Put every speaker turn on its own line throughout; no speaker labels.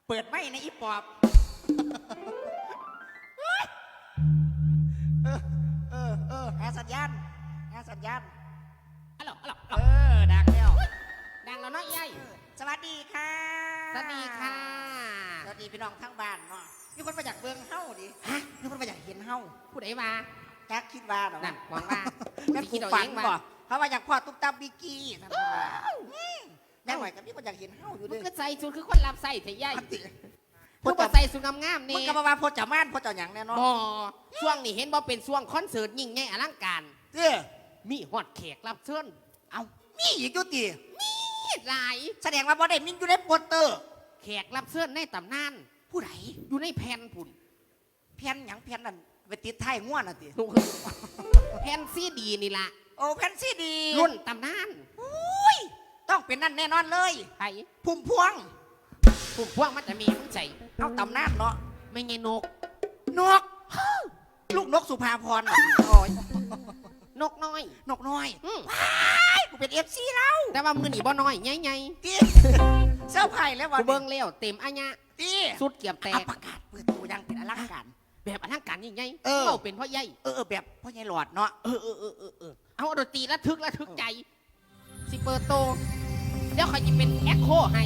เปิดไม่ในอีปอบหาสัญญาณ
ฮัลโหล
ดังแล้ว
ดังแล้วเนาะยาย
สวัสดีค่ะ
สวัสดีค่ะ
สวัสดีพี่น้องทั้งบ้านเนาะมีคนมาจากเบืองเฮ้าดิมีคนมาจากเห็นเฮ้า
ผู้ใดมา
จักคิดว่าหรอ
นั่นหวังว่า
แม่ผูกฝังบ่เขามาจากพ่อตุ๊กตาบิกกี้ท่านผู้ชมแม่หน่อยกับมีคนอยากเห็นเฮ้าอยู่ด้วย
ก็ใส่ชุดคือคนรับใส่เถอะยายพวกใส่ชุดงามๆนี่
มึงกับมาพอจะม่านพอจะหยังแน่นอน
บ่ช่วงนี้เห็นบ่เป็นช่วงคอนเสิร์ตยิ่งใหญ่อลังการมีฮอดแขกรับเชิญ
เอามีอีกจุติ
มีหลาย
แสดงว่าบ่ได้มีอยู่ในโปสเตอร์
แขกรับเชิญในตำนาน
ผู้ใด
อยู่ในแผ่นพุ่น
แผ่นหยังแผ่นนั่นไปติดท้ายง่วนน่ะติ
แผ่นซีดีนี่ล่ะ
โอ้แผ่นซีดี
รุ่นตำนาน
อุ้ยต้องเป็นนั่นแน่นอนเลย
ไผ
พุ่มพวง
มันจะมีมึงใจ
เอาตำนานเนาะ
ไม่ไงนก
ลูกนกสุภาพร
นกน้อย
ว้ายกูเป็นFCเรา
แต่ว่ามือหนีบ่น้อยใหญ่
ๆเสื้อไผ่แล้ววัน
กูเบิ่งแล้วเต็มอัญญะสุดเกียบแตก
ประกาศเปิดตัวยังเป็นอลังการ
แบบอลังการยิ่งใหญ่เราเป็นพ่อใหญ่
แบบพ่อใหญ่หลอดเนาะ
เอาดนตรีระทึกใจสิเปิดโตเดี๋ยวคอยจะเป็นแอคโคให้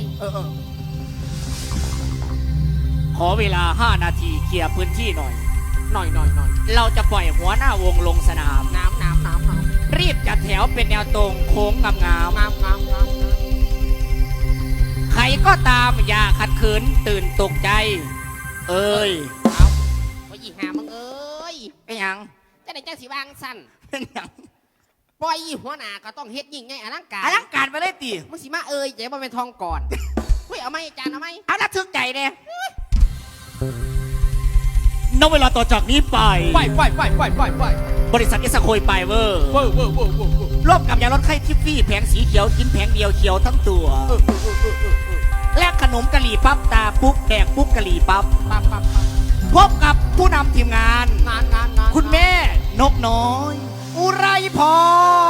ขอเวลา5 นาทีเคลียร์พื้นที่หน่อยเราจะปล่อยหัวหน้าวงลงสนาม
น้ำ
รีบจัดแถวเป็นแนวตรงโค้งงามใครก็ตามอย่าขัดขืนตื่นตกใจ
เอาว่ายี่หามึง
เป็นหยัง
จะได้จ้าสีวางสั้น
เป็นหยัง
ปล่อยหัวหน้าก็ต้องเฮ็ดยิ่งไงอลังการ
ไปเลยตี
มึงสิมาเจ๊บ่เป็นทองก่อนเฮ้ยเอาไหมจานเอาไหม
เอาละทึกใจเนี่ยณเวลาต่อจากนี้ไปบริษัทเอสโคยไปเวอร์ร่วมกับยาลดไข้ทิฟฟี่แผงสีเขียวกินแผงเดียวเขียวทั้งตัวและขนมกะหรี่ปั๊บตาปุ๊บแดกปุ๊บกะหรี่ปั๊บพบกับผู้นำทีมงานคุณแม่นกน้อยอุไรพร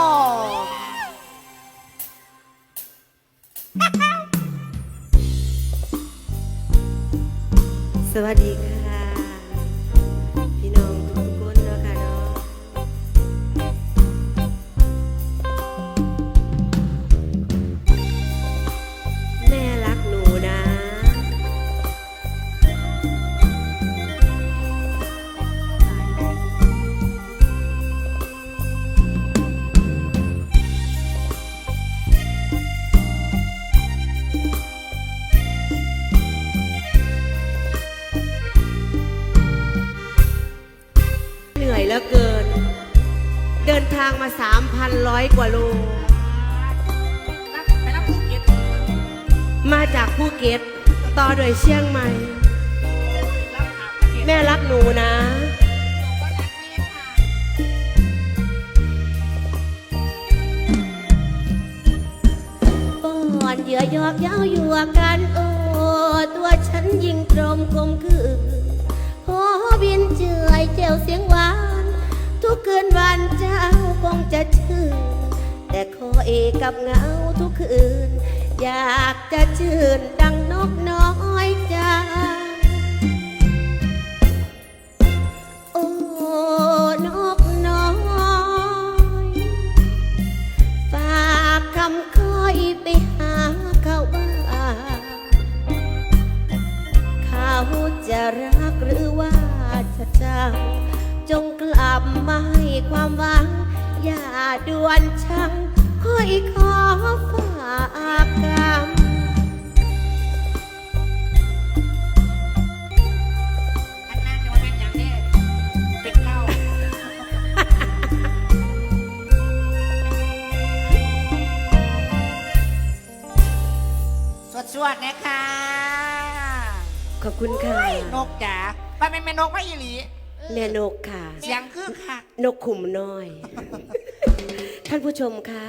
สวัสดีค่ะพี่น้องทุกคนเนาะค่ะเนาะแม่รักหนูนะแล้วเกินเดินทางมา 3,100 กว่าโลมาจากภูเก็ตต่อโดยเชียงใหม่แม่รักหนูนะป้อนเหยื่อยอกเย้าอยู่กันโอ้ตัวฉันยิ่งตรมคมคือขอบินเจือยเจียวเสียงหวานทุกคืนวันเจ้าคงจะชื่นแต่ขอเอกกับเงาทุกคืนอยากจะชื่นดังนกน้อยจ้าโอ้นกน้อยฝากคำคอยไปหาเขาบ้างเขาจะรักหรือว่าจะเจ้าจงกลับมาให้ความหวังอย่าด่วนชังค่อยขอฝากกรรม
อันนั้นจะมาเป็นอย่างนี้เป็นเล่าสวดนะคะ
ขอบคุณค่ะ
นกจ๋าไปเป็นแม่นกไม่อีหลี
แม่นกค่ะ
เสียงคือค่ะ
นกขุมน้อยท่านผู้ชมคะ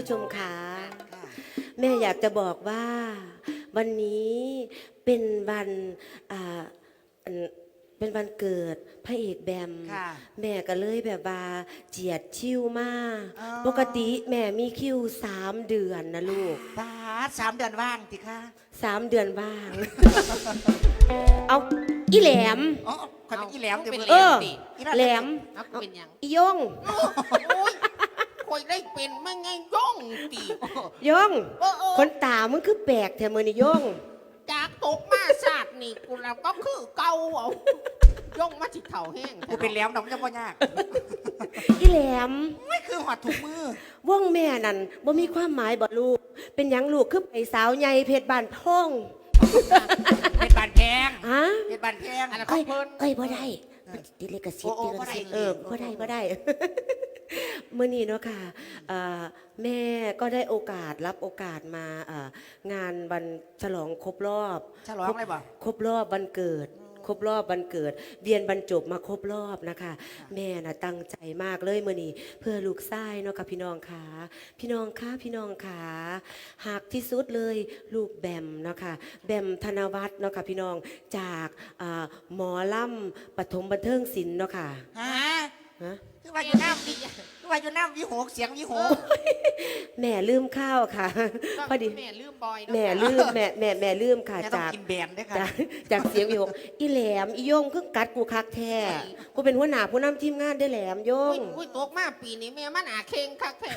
แม่อยากจะบอกว่าวันนี้เป็นวันเป็นวันเกิดพระเอกแบม
ค่ะ
แม่ก็เลยแบบว่าเจียดชิวมาก
อ๋อ
ปกติแม่มีคิว3 เดือนนะลูก
บาส3 เดือนว่างติค่ะ
3 เดือนว่าง เอาอีแหลม
อ๋อคอยเป็นอีแหลม
เป็น
เดี๋ยว
แหล
มื้อ
ม
เออ
ดิ
แหลม
เอาเป็นหยัง
อียง
โอ้ยคอยได้เป็นไม่ไงย่องตี
ยง
เออ
คนตามึงคือแปลกแถมมือนี่ยง
จากตกมาศาสตร์นี่กูเราก็คือเก่าเอาย่องมาสิเถ่าแห้ง
กูเป็นแหลมน้องจะบ่ยาก
อีแหลม
ไม่คือหอดถุงมือ
ว่องแม่นั่นบ่มีความหมายบ่ลูก เป็นหยังลูกคือไปสาวใหญ่เพชรบ้านท่อง
เป็นบานแพง
ฮะ
เป็นบานแพง
อันนั้น
เอ้
เขา
ย
เพิ่น
เอ้ยบ่ได้มันติดลิขสิทธิ์
โอ้
ติดลิขสิทธิ์
บ่ได้
บ่ได้ มื้อนี้เนาะค่ะแม่ก็ได้รับโอกาสมางานวันฉลองครบรอบ
ฉลองอะไรบ่
ครบรอบวันเกิด ครบรอบวันเกิดเรียนบรรจบมาครบรอบนะคะ แม่น่ะตั้งใจมากเลยมื้อนี้เพื่อลูกชายเนาะค่ะพี่น้องขาพี่น้องขาหากที่สุดเลยลูกแบมเนาะค่ะแบมธนวัฒน์เนาะค่ะพี่น้องจากหมอลำปฐมบันเทิงศิลป์เนาะค่ะ
ฮะ
ฮะ
คือว่าอยู่น้ำคือว่าอยู่น้ำวิหกเสียงวิหก
แม่ลืมข้าวค่ะ พอดี
แม่ลืมบอยเนาะ
แม่ลืมแม่ลืมค่ะ
แม่ต้อง
จาก
กินแบนด้วยค่ะ
จากเสียงวิหกอีแหลมอีโยงคือกัดกูคักแท้กูเป็นหัวหน้าผู้นำทีมงานได้อแหลมโย
อุ้
ง
ยตกมาปีนี้แม่มันอาเข่งคักแท้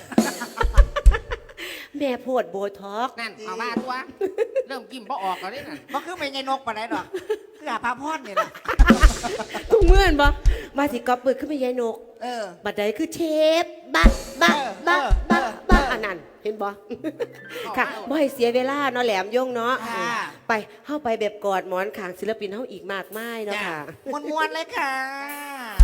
แม่โพดโบท็อกซ์
นั่นเอามาตัวเริ่มกินบ่ออกแล้วนี่น่ะ
มันคือไม่ใช่นกปะไหนดอกคืออาภาพรนี่แหละ
ทุกเมื่อนบ่มาสิกอบปึกขึ้นไปยายนก
เออ
บัดใดคือเชฟบักอันนั้นเห็นบ่ค่ะบ่ให้เสียเวลาเนาะแหลมโยงเนาะ
ค่ะ
ไปเข้าไปแบบกอดหมอนขางศิลปินเฮาอีกมากมายเนาะค่ะ
มวนๆเลยค่ะ